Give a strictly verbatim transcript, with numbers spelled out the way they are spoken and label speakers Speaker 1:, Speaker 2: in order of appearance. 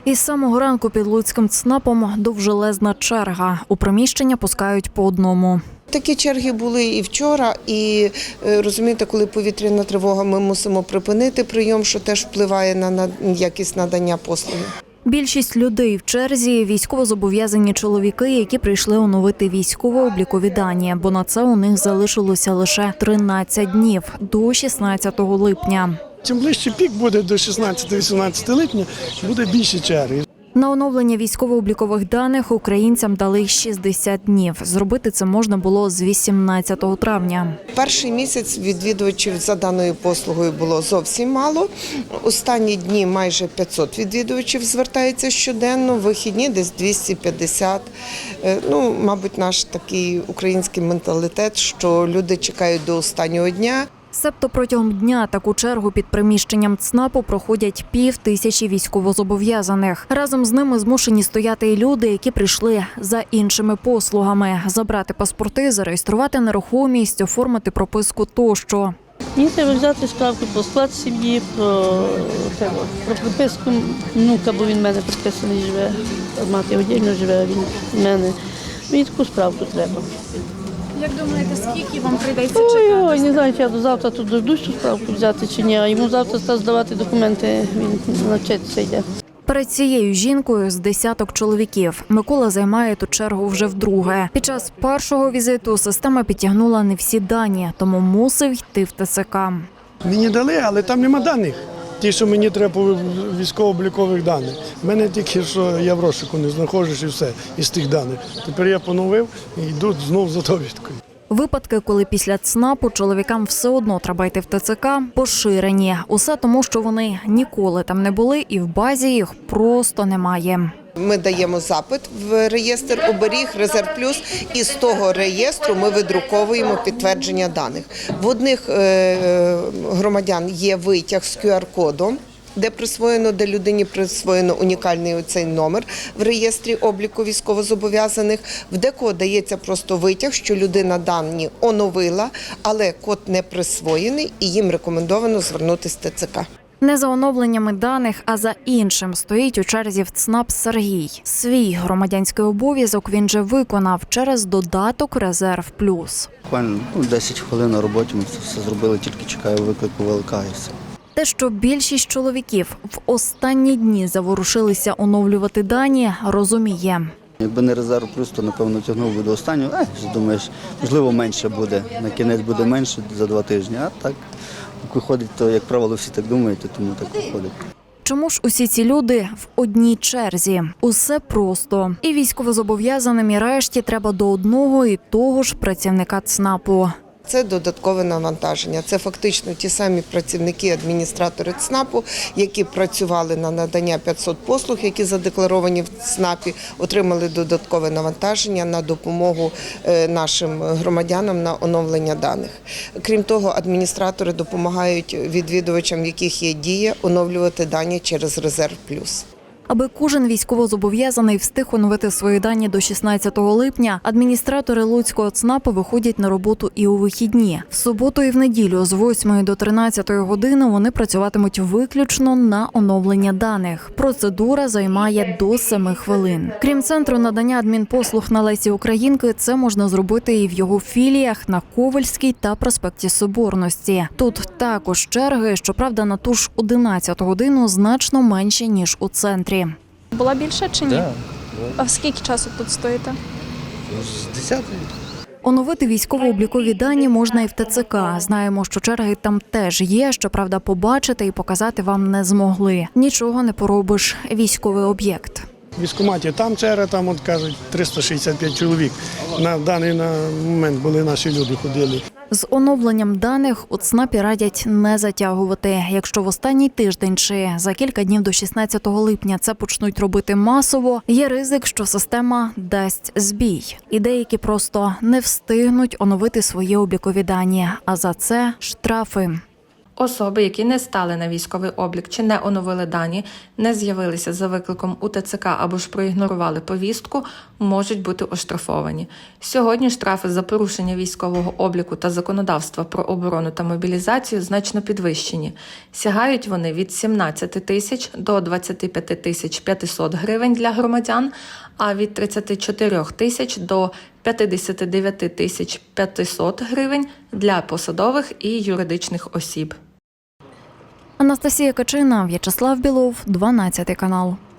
Speaker 1: Із самого ранку під Луцьким ЦНАПом довжелезна черга. У приміщення пускають по одному.
Speaker 2: Такі черги були і вчора, і, розумієте, коли повітряна тривога, ми мусимо припинити прийом, що теж впливає на якість надання послуги.
Speaker 1: Більшість людей в черзі – військовозобов'язані чоловіки, які прийшли оновити військово-облікові дані, бо на це у них залишилося лише тринадцять днів – до шістнадцятого липня.
Speaker 3: Чим ближче пік буде до шістнадцятого-вісімнадцятого липня, буде більше черги.
Speaker 1: На оновлення військово-облікових даних українцям дали шістдесят днів. Зробити це можна було з вісімнадцятого травня.
Speaker 2: Перший місяць відвідувачів за даною послугою було зовсім мало. Останні дні майже п'ятсот відвідувачів звертається щоденно, вихідні десь двісті п'ятдесят. Ну, мабуть, наш такий український менталітет, що люди чекають до останнього дня.
Speaker 1: Себто протягом дня таку чергу під приміщенням ЦНАПу проходять пів тисячі військовозобов'язаних. Разом з ними змушені стояти і люди, які прийшли за іншими послугами – забрати паспорти, зареєструвати нерухомість, оформити прописку тощо.
Speaker 4: Мені треба взяти справку про склад сім'ї, про, про приписку внука, бо він в мене приписаний живе, мати віддільно живе, а він в мене. Мені таку справку треба.
Speaker 5: Як думаєте, скільки вам прийдеться чекати?
Speaker 4: Ой, ой, не знаю, чи я до завтра тут дождусь цю справку взяти чи ні, а йому завтра став здавати документи, він навчатися йде.
Speaker 1: Перед цією жінкою з десяток чоловіків. Микола займає ту чергу вже вдруге. Під час першого візиту система підтягнула не всі дані, тому мусив йти в ТЦК.
Speaker 3: Мені дали, але там нема даних. Ті, що мені треба по військово-облікових даних. У мене тільки, що я в розшуку не знаходжусь і все, із тих даних. Тепер я поновив і йду знову за довідкою.
Speaker 1: Випадки, коли після ЦНАПу чоловікам все одно треба йти в ТЦК, поширені. Усе тому, що вони ніколи там не були і в базі їх просто немає.
Speaker 2: Ми даємо запит в реєстр оберіг, резерв плюс, і з того реєстру ми видруковуємо підтвердження даних. В одних громадян є витяг з ку ар кодом, де присвоєно, де людині присвоєно унікальний оцей номер в реєстрі обліку військовозобов'язаних. В декого дається просто витяг, що людина дані оновила, але код не присвоєний і їм рекомендовано звернутися в ТЦК.
Speaker 1: Не за оновленнями даних, а за іншим стоїть у черзі в ЦНАП Сергій. Свій громадянський обов'язок він же виконав через додаток «Резерв плюс».
Speaker 6: Буквально десять хвилин на роботі ми це все зробили, тільки чекаю виклику ВЛК і все.
Speaker 1: Те, що більшість чоловіків в останні дні заворушилися оновлювати дані, розуміє.
Speaker 6: Якби не резерв плюс, то, напевно, тягнув би до останнього. Е, думаєш, можливо, менше буде. На кінець буде менше за два тижні. А так, виходить, то, як правило, всі так думають, тому так виходить.
Speaker 1: Чому ж усі ці люди в одній черзі? Усе просто. І військовозобов'язаним, і решті треба до одного і того ж працівника ЦНАПу.
Speaker 2: Це додаткове навантаження. Це фактично ті самі працівники, адміністратори ЦНАПу, які працювали на надання п'ятсот послуг, які задекларовані в ЦНАПі, отримали додаткове навантаження на допомогу нашим громадянам на оновлення даних. Крім того, адміністратори допомагають відвідувачам, в яких є дія, оновлювати дані через резерв плюс.
Speaker 1: Аби кожен військовозобов'язаний встиг оновити свої дані до шістнадцятого липня, адміністратори Луцького ЦНАПу виходять на роботу і у вихідні. В суботу і в неділю з восьмої до тринадцятої години вони працюватимуть виключно на оновлення даних. Процедура займає до семи хвилин. Крім центру надання адмінпослуг на Лесі Українки, це можна зробити і в його філіях на Ковальській та проспекті Соборності. Тут також черги, щоправда, на ту ж одинадцяту годину значно менше, ніж у центрі.
Speaker 5: Була більше чи ні?
Speaker 6: Так.
Speaker 5: А в скільки часу тут стоїте?
Speaker 6: З десятої.
Speaker 1: Оновити військово-облікові дані можна і в ТЦК. Знаємо, що черги там теж є, щоправда, побачити і показати вам не змогли. Нічого не поробиш. Військовий об'єкт.
Speaker 3: В військкоматі там черга, там, от кажуть, триста шістдесят п'ять чоловік. На даний момент були наші люди, ходили.
Speaker 1: З оновленням даних у ЦНАПі радять не затягувати. Якщо в останній тиждень чи за кілька днів до шістнадцятого липня це почнуть робити масово, є ризик, що система дасть збій. І деякі просто не встигнуть оновити свої облікові дані, а за це штрафи.
Speaker 7: Особи, які не стали на військовий облік чи не оновили дані, не з'явилися за викликом у ТЦК або ж проігнорували повістку, можуть бути оштрафовані. Сьогодні штрафи за порушення військового обліку та законодавства про оборону та мобілізацію значно підвищені. Сягають вони від сімнадцяти тисяч до двадцяти п'яти тисяч п'ятисот гривень для громадян, а від тридцяти чотирьох тисяч до п'ятдесят дев'ять тисяч п'ятисот гривень для посадових і юридичних осіб.
Speaker 1: Анастасія Качина, В'ячеслав Білов, дванадцятий канал.